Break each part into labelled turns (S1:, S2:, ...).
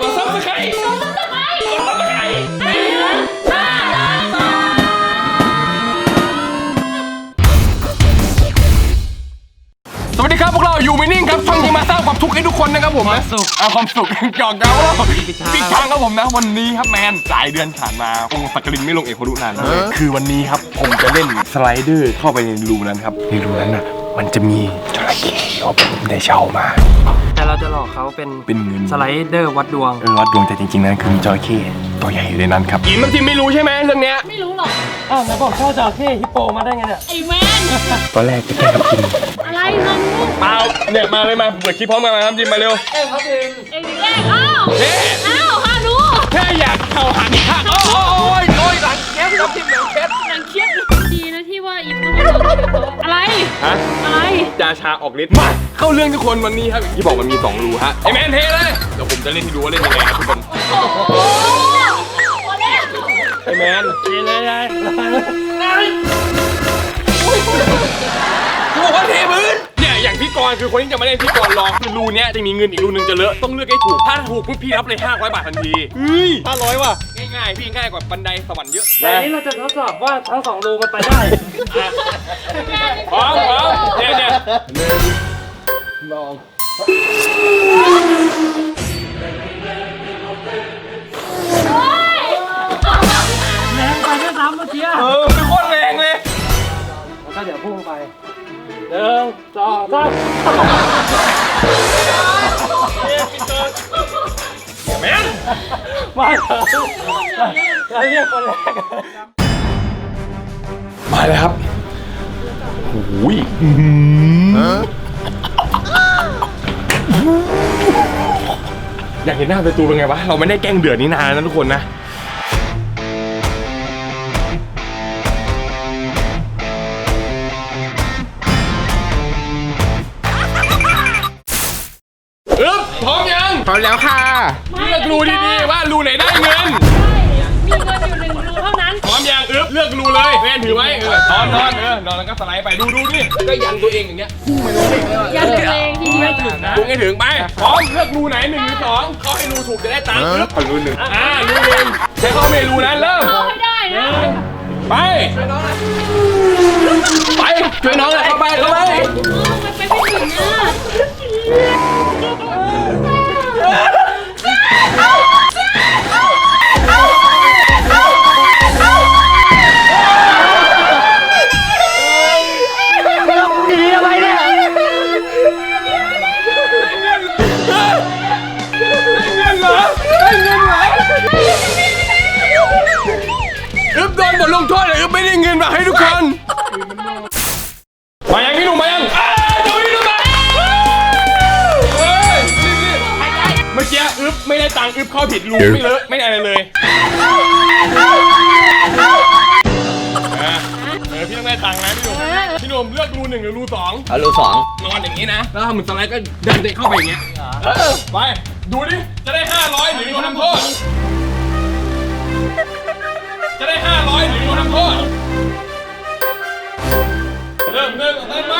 S1: กดซับสไครต์กดซับสไครต์กดซับสไครต์สวัสดีครับพวกเราอยู่ไม่นิ่งครับช่องที่มาสร้างความทุกข์ให้ทุกคนนะครับผมนะความสุขหยอกเย้าปิดทางครับผมนะวันนี้ครับแมนหลายเดือนผ่านมาองค์สักกลินไม่ลงเอกพรุนานคือวันนี้ครับผมจะเล่นสไลเดอร์เข้าไปในรูนั้นครับในรูนั้นน่ะมันจะมีจระเข้ผมได้เช่ามา
S2: แต่เราจะหลอกเขาเป็น
S1: เงิน
S2: สไลเดอร์วัดดวง
S1: วัดดวงแต่จริงๆนั้นคือมีจระเข้ตัวใหญ่อยู่ในนั้นครับอิมทีไม่รู้ใช่ไหมเรื่องเนี้ย
S3: ไม่รู้หรอก
S2: อ้าวไหนบอกเข้าจระเข้ฮิปโปมาได้ไงเนี่ย
S3: ไอ้แมน
S1: ตอนแรกจะแก้ครับจิม
S3: อะไรน้องลูก
S1: เปล่าเนี่ยมาเลยมาเปิดคลิปพร้อมกันมาครับจิมมาเร็ว
S2: ครับจิม
S3: เอ้ยอ้าวฮานู
S1: แค่อยากเข่าหันอีกข้างโอ้ยหลังแคบครับจิมหลังแคบ
S3: ดีนะที่ว่าอิมต้องอะไรอะไร
S1: จาชาออกฤทธิ์มาเข้าเรื่องทุกคนวันนี้ครับที่บอกมันมี2รูฮะไอแมนเทเลยเดี๋ยวผมจะเล่นให้ดูว่าเล่นยังไงครับทุกคนไอแมน
S2: เทเลยไง
S1: กูบอกว่าเทพื้นเนี่ยอย่างพี่กรณ์คือคนที่จะมาเล่นพี่กรณ์ลองคือรูเนี้ยจะมีเงินอีกรูนึงจะเลอะต้องเลือกให้ถูกถ้าถูกปุ๊บพี่รับเลย500 บาททันที500ว่ะง่ายๆพี่ง่ายกว่าบันไดสวรรค์เยอะ
S2: แต่นี้เราจะทดสอบว่าทั้ง2รูมันไปได้
S1: พร้อมเนี่ยลอง
S2: แรงไปด้วยซ้ำเมื่อกี้
S1: เป็นโคตรแรงเลย
S2: แล้วก็เดี๋ยวพุ่งไป1 2 3
S1: แมน
S2: มาเถอะเราเรียกคนแรก
S1: มาเลยครับโอ้ยอยากเห็นหน้าประตูเป็นไงวะเราไม่ได้แกล้งเดือดนี่นานนะทุกคนนะพร้อมยังพร้อมแล้วค่ะเลือกรูดีๆว่ารูไหนได้เงิน
S3: มีเงินอยู่1 รูเท่านั้น
S1: พร้อมยังเลือกรูเลยแม่ถือไว้นอนแล้วก็สไลด์ไปดูดิก็ยันตัวเองอย่างเงี้ยพุ่งไปเลย
S3: ยันตัวเองทีเดียว
S1: ถึงนะพุ่งให้ถึงไปพร้อมเลือกรูไหน1 หรือ 2เข้าให้รูถูกจะได้ตังค์ขอรู 1รู 1ใช้เข้าเมรูนั้นเริ่ม
S3: เข้าให้ได้นะ
S1: ไปช่วยน้องหน่อยไปช่วยน้องหน่อยเข้าไป
S3: มันไปไม่ถึง
S1: โดนบทลงโทษเลยไม่ได้เงินมาให้ทุกคนมายังพี่หนุ่มมายังเดี๋ยวพี่หนุ่มมาเมื่อกี้ไม่ได้ตังค์เข้าผิดรูไม่เลอะไม่อะไรเลยพี่ต้องได้ตังค์นะพี่หนุ่มเลือกรู 1 หรือรู 2
S4: เอารู 2
S1: นอนอย่างนี้นะแล้วทำเหมือนสไลด์ก็ดันเด็กเข้าไปอย่างเงี้ยไปดูดิจะได้500หรือโดนทำโทษจะได้500หรือโดนทำโทษเริ่มไป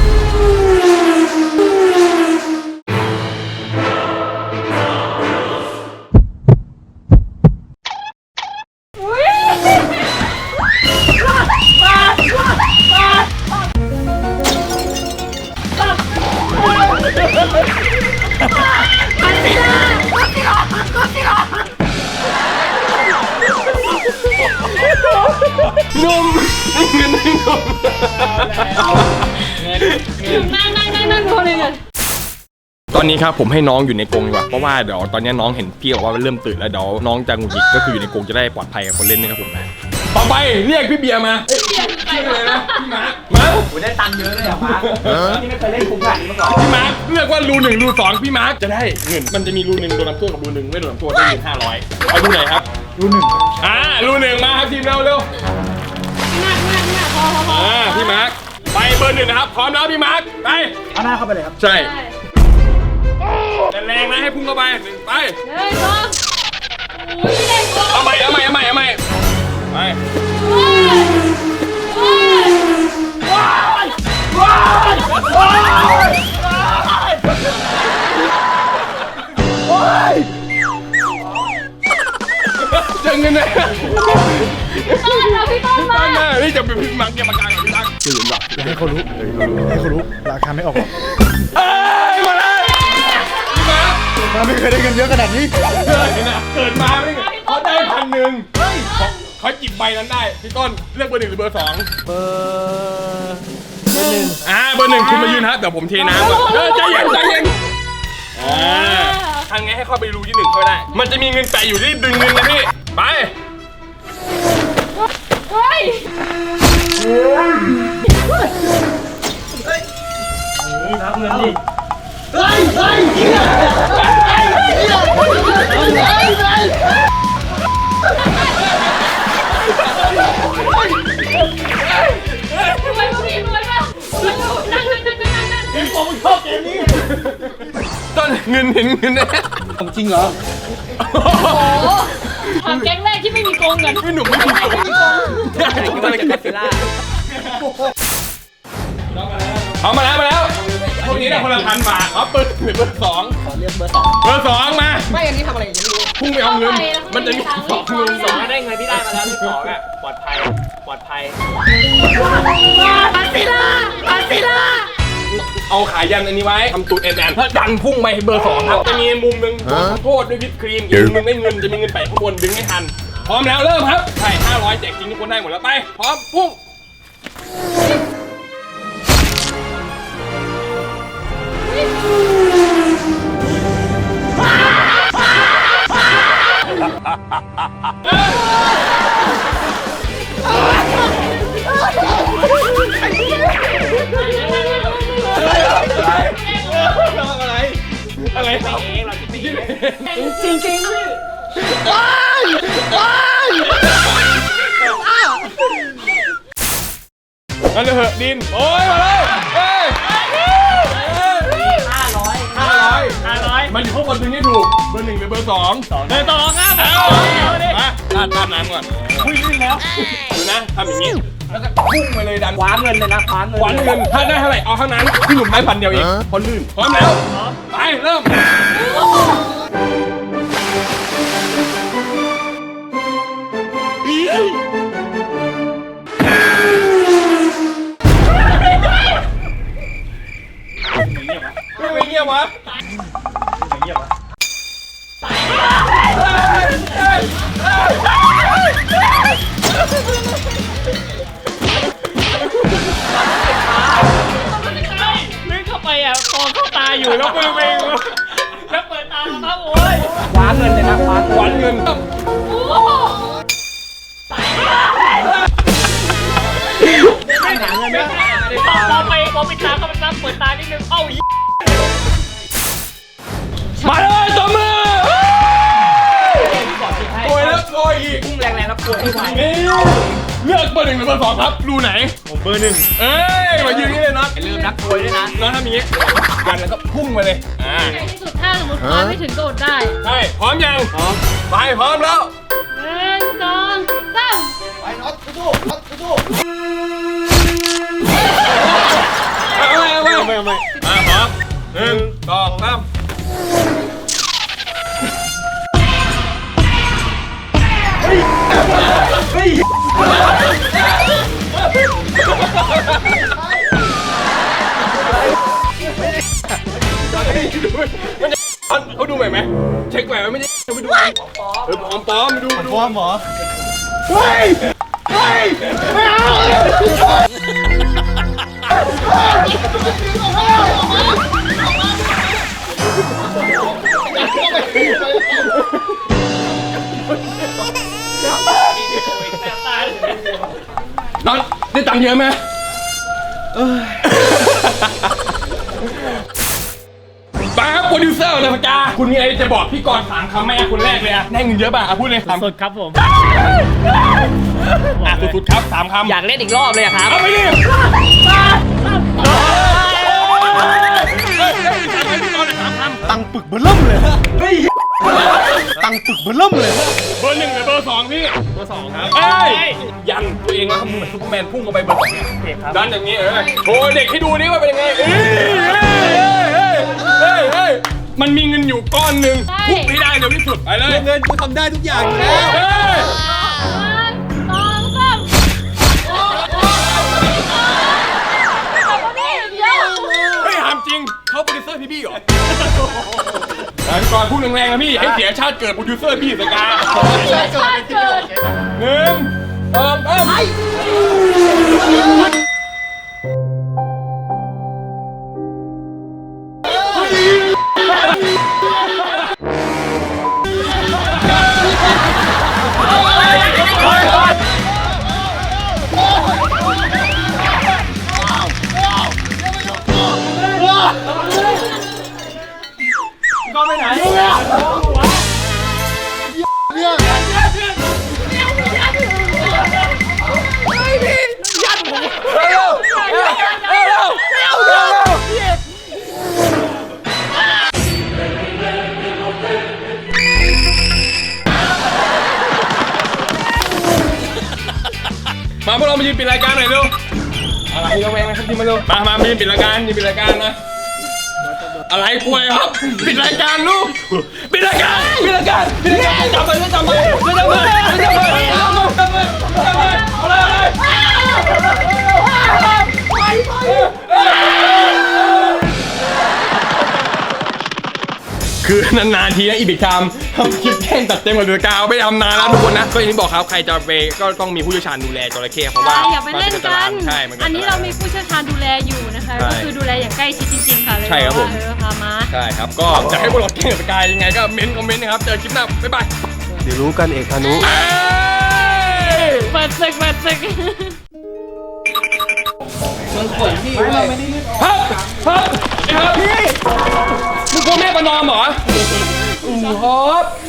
S1: นุ่มเงินนุ่ม
S3: นั่งพอเลยเนี่ย
S1: ตอนนี้ครับผมให้น้องอยู่ในกรงดีกว่าเพราะว่าเดี๋ยวตอนนี้น้องเห็นพี่บอกว่าเริ่มตื่นแล้วเดี๋ยวน้องจะหงุดหงิดก็คืออยู่ในกรงจะได้ปลอดภัยกับคนเล่นนะครับผมนะต่อไปเรียกพี่เบียร์มาชื่ออะไรนะพี่มาร์ค
S2: ผมได้ตังค์เยอะเลยอ่ะมาร์คนี่ไม่เคยเล่นคุ้มขนาดนี้มาก่อน
S1: พี่มาร์คเลือกว่ารู 1 รู 2พี่มาร์คจะได้เงินมันจะมีรู 1โดนน้ำท่วมกับรู 1ไม่โดนน้ำท่วมได้เงิน500เอารูไหนครับ
S2: รู 1
S1: รู 1มาครับทีมเร็วพี่มาร์คไปเบอร์ 1นะครับพร้อมแล้วพี่มาร์คไป
S2: เอาหน้าเข้าไปเลยครับ
S1: ใช่แรงนะให้พุ่งเข้าไปไปเอาใหม่ไปงินเลย
S3: ต้นเราพี่ต้นมา
S1: ตั้งหน้านี่จะเป็นพิมพ์มังเกี่ยวกับการกับพี่ตั้งตื่นหรอ
S4: อย่าให้เขารู้ให้เขารู้ราคาไม่ออกหรอก
S1: เอ้ยมาเลยมา
S4: มาไม่เคยได้เงินเยอะขนาดนี้
S1: เกิดมาไม่เขาได้1,000เฮ้ยเขาจิบใบนั้นได้พี่ต้นเลือกเบอร์ 1หรือเบอร์ 2
S2: เบอร์
S1: เบอร์ 1คุณมายืนฮะเดี๋ยวผมเทน้ำก่อนใจเย็นใจเย็นทางไงให้เข้าไปรูที่ 1เข้าได้ มันจะมีเงินแปะอยู่ที่ดึงเงินนะพี่ไป
S3: เฮ้ย
S2: รับเงินดิ
S3: รวยป่ะพี่รวยป่ะนั่ง
S2: ผมชอบเกมนี้
S1: ต้นเงินเห็นเงินนะ
S2: ของจริงเหรอ
S3: โอ้ถามแก๊งแรกที่ไม่มีโกงเงิน
S1: พี่หนุ่มไม่ถูกต้นเลยกัสซิล่าเอามาแล้วพวกนี้ได้คนละ1,000 บาทเอาเปิดหรือเบอร์ 2ขอเลือกเบอร์ 2เบอร์ 2มาไม่อันนี้ทำอะไรอย่างนี้พุ่งไปเอาเงินมันจะมี2เงิน
S2: ได้เงินที่ได้มาแล้วที่สองอ่ะปลอดภัยปลอดภัย
S3: ปาซิล่า
S1: เอาขายันอันนี้ไว้ทำตูดแอนถ้าดันพุ่งไปเบอร์ 2ครับจะมีมุมหนึ่งโทษด้วยวิปครีมอีกมุมหนึ่งได้เงินจะมีเงินแปะข้างบนดึงไม่ทันพร้อมแล้วเริ่มครับใช่500แจกจริงทุกคนได้หมดแล้วไปพร้อมพุ่งอะไรครับจริงนั่นเลยเหอะดินโอ้ยมาเลยเฮ้ย500มันอยู่ข้างบนดึงให้ถูกเบอร์ 1หรือเบอร์ 2
S2: เบอร์ 2ครับ
S1: มาลาดน้ำก่อน
S2: คุยลื่นแล้ว
S1: ดูนะทำอย่างนี้แล้วก็พุ่งไปเลยดัน
S2: คว้าเงินเลยนะคว้าเงิน
S1: หวานเงินถ้าได้เท่าไหร่เอาเท่านั้นพี่หนุ่มได้1,000 เดียวเองพอลื่นพร้อมแล้วไปเริ่มไม่เงียบวะ
S2: ลื่นเข้าไปอ่ะกองเข้าตาอยู่แล้วมือเองแล้วเปิดตาแล้วโอ้ยคว้าเงินเลยนะคว้า
S1: หวานเงิน
S2: ไม่หาเงินไม่พอไปตาเขามันเปิดตานิดนึงเอ้า
S1: มาเลยตัวมือโอยแล้วโอยอีก
S2: พุ่งแรงแล้วปวดไม่ไหว
S1: นี่เลือกเบอร์ 1หรือเบอร์ 2ครับรูไหน
S2: ผมเบอร์ 1
S1: เอ้ยมายืนนี่เลยนะ
S2: อย่าลืมนักมวยด้วยนะ
S1: น้องทำอย่างนี้ยันแล้วก็พุ่งไปเลย
S3: ในที่สุดถ้าสมมติคว้าไม่ถึงโดดได้
S1: ใช่พร้อมยังไปพร้อมแล้ว
S3: 1 2 3
S1: เอาพร้อม1 2 3เขาดูใหม่ไหมเช็คใหม่ไหมไม่ได้ไปดูปลอมไปดู
S4: ฟอร์มเหรอ
S1: น้องได้ตังค์เยอะไหมป้าครับโปรดิวเซอร์เลยพกาคุณมีอะไรจะบอกพี่กรณ์3 คำแม่คนแรกเลยอะได้เงินเยอะป่ะพูดเลย
S2: สุดครับผม
S1: สุดๆครับ3 คำ
S2: อยากเล่นอีกรอบเลยครับ
S1: เอาไปดิ
S4: ตังปึกเบอร์เริ่มเลยตังปึกเบอร์เริ่มเลย
S1: เบอร์ 1หรือเบอร์ 2พี่เบอร์ 2ครับเอ้ยยันตัวเองแล้วทำเหมือนซุปเปอร์แมนพุ่งเข้าไปเบอร์ 2เนี่ยดันอย่างนี้โชว์เด็กให้ดูนี่ว่าเป็นยังไงมันมีเงินอยู่ก้อนหนึ่งทุบให้ได้เร็วที่สุดไปเลย
S4: เงินกูทำได้ทุกอย่างอยู่แล้ว
S1: เฮ้ย
S3: 1 2 3เดี๋ยว
S1: เฮ้ยถามจริงเขาโปรดิวเซอร์พี่เหรอพี่กรณ์พูดแรงๆนะพี่ให้เสียชาติเกิดโปรดิวเซอร์พี่สกา
S3: ชาติเกิด
S1: 1 2 3
S4: ก็ไปไหน
S1: มาพวกเรามายืนปิดรายการหน่อยเร็วอะไรระแวงนะครับที่มาเร็วมายืนปิดรายการยืนปิดรายการนะอะไรกล้วยครับปิดรายการลูกปิดรายการจับไปจับไปคือนานๆทีนะอีบิกทำทำคลิปแข่งตัดเต็มกับเดือกาวไม่ทำนานแล้วทุกคนนะก็อย่างที่บอกครับใครจะไปก็ต้องมีผู้เชี่ยวชาญดูแลจระเข้เพราะว่า
S3: อย่าไปเล่นกัน
S1: ใช่
S3: อันนี้เรามีผู้เชี่ยวชาญดูแลอยู่นะคะก็คือดูแลอย่างใกล้ชิดจริงๆค่ะเลย
S1: ใช่ครับผม
S3: พามา
S1: ใช่ครับก็จะให้พวกเราแข่งกับสกายยังไงก็คอมเมนต์นะครับเจอคลิปหน้าบ๊ายบาย
S4: เดี๋ยวรู้กันเอกพานุ
S3: เปิดศึก
S1: ครับพี่มึงกลัวแม่ประนอมเหรอครับ